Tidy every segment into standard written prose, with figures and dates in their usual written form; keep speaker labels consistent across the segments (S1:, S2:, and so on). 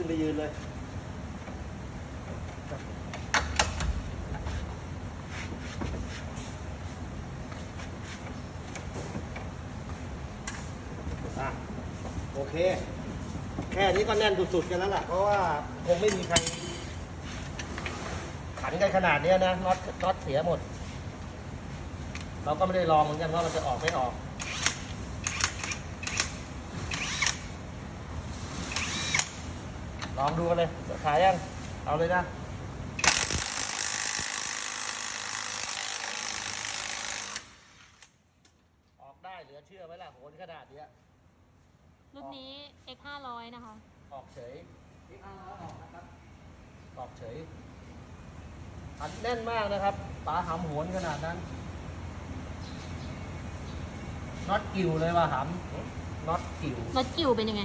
S1: ขึ้นไปยืนเลยโอเคแค่นี้ก็แน่นสุดๆกันแล้วล่ะเพราะว่าคงไม่มีใครขันกันขนาดนี้นะน็อตเสียหมดเราก็ไม่ได้ลองเหมือนกันว่ามันจะออกไม่ออกลองดูกันเลยขายยังเอาเลยนะออกได้เหลือเชื่อไหมล่ะโหนขนาดนี้
S2: รุ่นนี้ X 500นะคะ
S1: ออกเฉยออกนะครับออกเฉยอัดแน่นมากนะครับปลาหำโหนขนาดนั้นน็อตกิ่วเลยว่ะหำน็อตกิ่ว
S2: น็อตกิ่วเป็นยังไง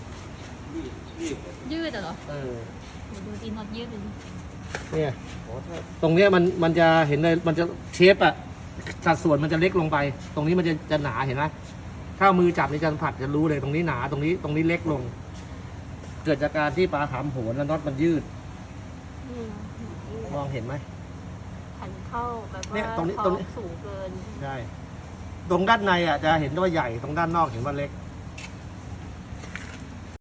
S2: ยืดเหรอ ดูสิน็อตยืดเลย
S1: เนี่ยตรงเนี้ยมันจะเห็นเลยมันจะเชฟอะสัดส่วนมันจะเล็กลงไป ตรงนี้มันจะหนาเห็นไหมถ้ามือจับในจานผัดจะรู้เลยตรงนี้หนาตรงนี้เล็กลง เกิดจากการที่ปลาหำโหนแล้วน็อตมันยืดมองเห็นไหม
S2: ขันเข้าแบบว่า
S1: เนี่ยตรงนี้
S2: สูงเกิน
S1: ใช่ตรงด้านในอ่ะจะเห็นว่าใหญ่ตรงด้านนอกเห็นว่าเล็ก